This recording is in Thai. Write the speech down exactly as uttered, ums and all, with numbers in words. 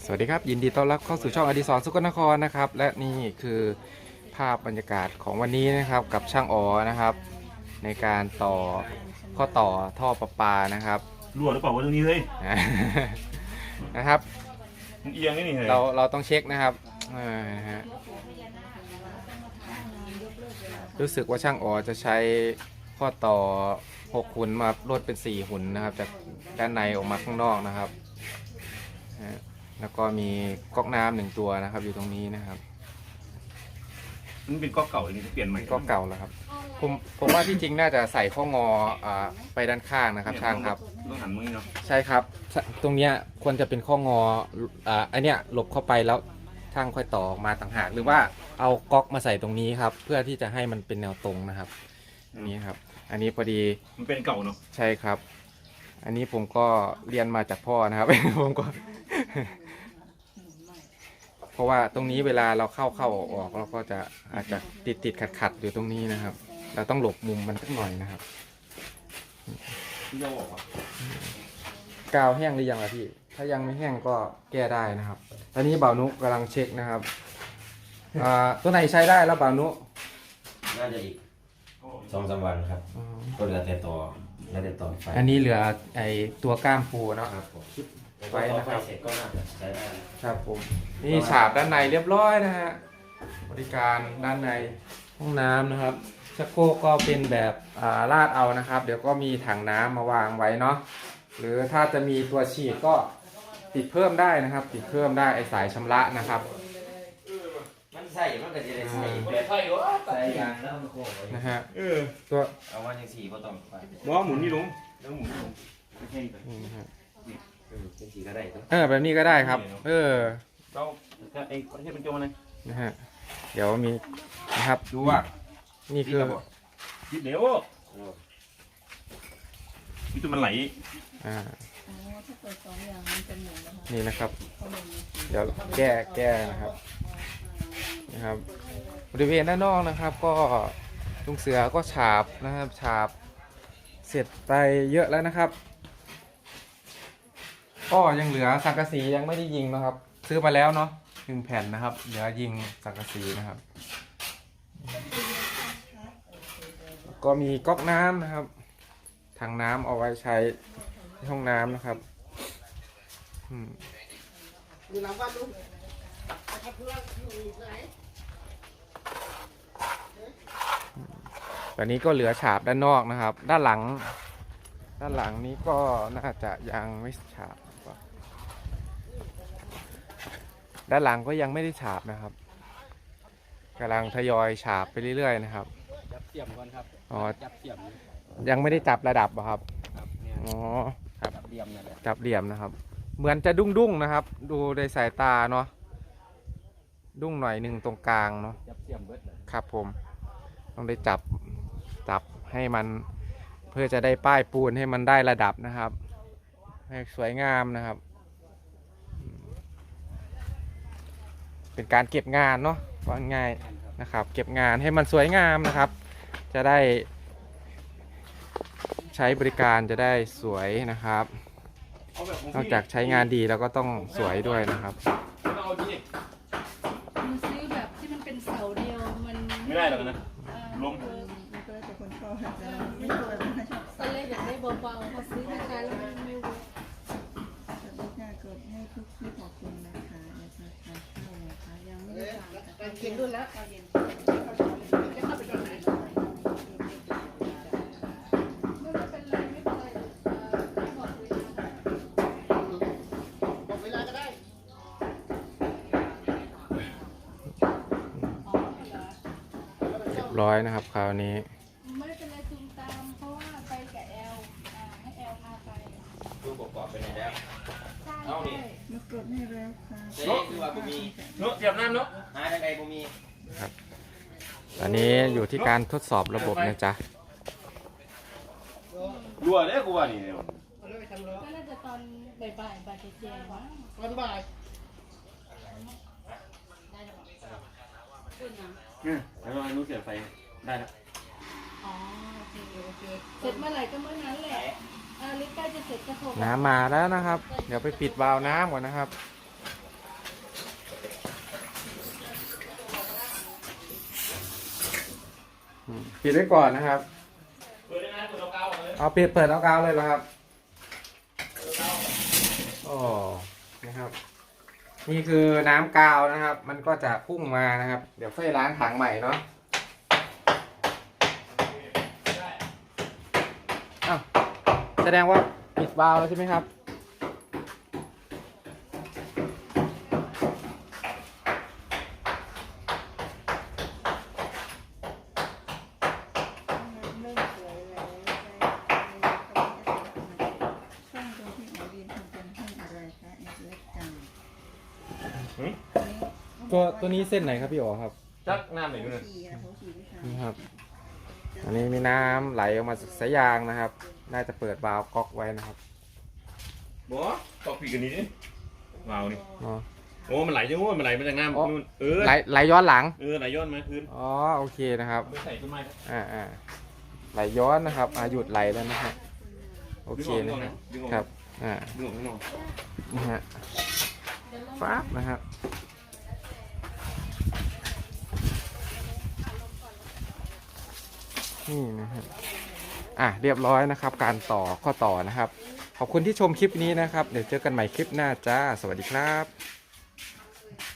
วัสดีครับยินดีต้อนรับเข้าสู่ช่องอดิศรสุกลนครนะครับและนี่คือภาพบรรยากาศของวันนี้นะครับกับช่างอ๋อนะครับในการต่อข้อต่อท่อประปานะครับรั่วหรือเปล่าวะตรงนี้เลยนะครับมันเอียงนี่นี่เลยเราเราต้องเช็คนะครับฮะรู้สึกว่าช่างอ๋อจะใช้ข้อต่อหกหุ่นมาลดเป็นสี่หุ่นนะครับจากด้านในออกมาข้างนอกนะครับแล้วก็มีก๊อกน้ำหนึ่งตัวนะครับอยู่ตรงนี้นะครับมันเป็นก๊อกเก่าเลยเปลี่ยนใหม่ก๊อกเก่าแล้วครับผมผมว่าที่จริงน่าจะใส่ข้องออ่าไปด้านข้างนะครับช่างครับต้องหันมือเนาะใช่ครับตรงเนี้ยควรจะเป็นข้องออ่าอันเนี้ยหลบเข้าไปแล้วช่างค่อยต่อออกมาต่างหากหรือว่าเอาก๊อกมาใส่ตรงนี้ครับเพื่อที่จะให้มันเป็นแนวตรงนะครับนี่ครับอันนี้พอดีมันเป็นเก่าเนาะใช่ครับอันนี้ผมก็เรียนมาจากพ่อนะครับ ผมก็เพราะว่าตรงนี้เวลาเราเข้าเข้าออกเราก็จะอาจจะติดติดขัดขัดอยู่ตรงนี้นะครับเราต้องหลบมุมมันสักหน่อยนะครับกาวแห้งหรือยังล่ะพี่ถ้ายังไม่แห้งก็แก้ได้นะครับตอนนี้บ่าวนุกำลังเช็คนะครับตัวไหนใช้ได้แล้วบ่าวนุน่าจะอีกสองสามวันครับก็เหลือแต่ต่อแล้วแต่ต่อไฟอันนี้เหลือไอตัวก้ามปูเนาะครับผมไว้นะครับเสร็จก็น่าจะใช้ได้ครับผมนี่ฉาบด้านในเรียบร้อยนะฮะบริการด้านในห้องน้ำนะครับชักโครกก็เป็นแบบลาดเอานะครับเดี๋ยวก็มีถังน้ำมาวางไว้เนาะหรือถ้าจะมีตัวฉีดก็ติดเพิ่มได้นะครับติดเพิ่มได้ไอสายชำระนะครับมันใส่มันก็จะได้ใส่ใส่ยางแล้วมันโค้งนะฮะเออตัวเอาว่าอย่างสี่ก็ต้องไปล้อหมุนนี่ลงแล้วหมุนลงนี่นะฮะเออเป็นสีก็ได้เออแบบนี้ก็ได้ครับเออเราไอ้ที่เป็นโจมอะไรนะฮะเดี๋ยวมีนะครับดูว่านี่คือเดี๋ยวนี่ตัวมันไหลอ่านี่นะครับเดี๋ยวแก้แก้นะครับนะครับบริเวณด้านนอกนะครับก็ลุงเสือก็ฉาบนะครับฉาบเสร็จไปเยอะแล้วนะครับก็ยังเหลือสังกะสียังไม่ได้ยิงนะครับซื้อมาแล้วเนาะหนึ่งแผ่นนะครับเหลือยิงสังกะสีนะครับก็มีก๊อกน้ำนะครับถังน้ำเอาไว้ใช้ในห้องน้ำนะครับตอนนี้ก็เหลือฉาบด้านนอกนะครับด้านหลังด้านหลังนี้ก็น่าจะยังไม่ฉาบด้านหลังก็ยังไม่ได้ฉาบนะครับกำลังทยอยฉาบไปเรื่อยๆนะครับจับเสียมก่อนครับอ๋อจับเสียมยังไม่ได้จับระดับครับอ๋อครับจับเหลี่ยมนะจับเหลี่ยมนะครับเหมือนจะดุ้งดุ้งนะครับดูในสายตาเนาะดุ้งหน่อยหนึ่งตรงกลางเนาะจับเสียมเบิดครับผมต้องได้จับจับให้มันเพื่อจะได้ป้ายปูนให้มันได้ระดับนะครับให้สวยงามนะครับเป็นการเก็บงานเนาะว่าง่ายนะครับเก็บงานให้มันสวยงามนะครับจะได้ใช้บริการจะได้สวยนะครับนอกจากใช้งานดีแล้วก็ต้องสวยด้วยนะครับมันซื้อแบบที่มันเป็นเสาเดียวมันไม่ได้หรอกนะลมมันก็แล้วแต่คนชอบไม่ชอบตอนแรกอยากได้เบาๆพอซื้อราคาแล้วมันไม่เวิร์กแต่ลูกค้ากดให้ทุกคลิปขอบคุณนะคะนะคะเข้านะคะยังไม่ได้สั่งแต่เย็นรุ่นแล้วตอนเย็นจะเข้าไปตอนไหนร้อยนะครับคราวนี้ไม่เป็นไรจูงตามเพราะว่าไปกับแอลให้แอลพาไปดูประกอบไปไหนแล้วเอาดิมากดให้แล้วค่ะเจ๊คือว่าผมมีเนาะเสียบน้ำเนาะหาทางใดผมมีครับตอนนี้อยู่ที่การทดสอบระบบนะจ๊ะรั่วเลยกูว่านี่ก็น่าจะตอนบ่ายบ่ายบ่ายเจ๊ๆมั้งตอนบ่ายได้หรือเปล่าขึ้นนะเนี่ยแล้วเรารู้เสียไฟได้แล้วอ๋อโอเคโอเคเสร็จเมื่อไหร่ก็เมื่อนั้นแหละอ่าลิฟต์ใกล้จะเสร็จก็โทรน้ำมาแล้วนะครับเดี๋ยวไปปิดวาล์วน้ำก่อนนะครับปิดไว้ก่อนนะครับเปิดได้ไหมเปิดเกาๆเลยเอาปิดเปิดเอากาวเลยเหรอครับโอ้นะครับ นี่คือน้ำกาวนะครับ มันก็จะพุ่งมานะครับ เดี๋ยวค่อยล้างถังใหม่เนาะอ้าวแสดงว่าปิดวาล์วแล้วใช่ไหมครับเริ่มสวยแล้วช่องตรงที่หมอดีนทำเป็นห้องอะไรคะเอ็กซ์จังตัวตัวนี้เส้นไหนครับพี่อ๋อครับจักน้ำไหนดูโถเนี่ยฉี่อะโถฉี่ที่ทำนี่ครับ อันนี้มีน้ำไหลออกมาจากสายยางนะครับ น่าจะเปิดวาล์วก๊อกไว้นะครับบอตอกผีกันนี้ดิวาวนี่เนาะโอ้มันไหลจังโว้ยมันไหลมาจากน้ำนู่นเออไหลไหลย้อนหลังเออไหลย้อนมาคืนอ๋อโอเคนะครับไม่ใส่ต้นไม้นะอ่าอ่าไหลย้อนนะครับอ่าหยุดไหลแล้วนะครับโอเคนะฮะดึงออกครับอ่าดึงออกข้างนอกนะฮะฟ้าบนะครับนี่นะครับอ่ะเรียบร้อยนะครับ การต่อข้อต่อนะครับ ขอบคุณที่ชมคลิปนี้นะครับ เดี๋ยวเจอกันใหม่คลิปหน้าจ้าสวัสดีครับ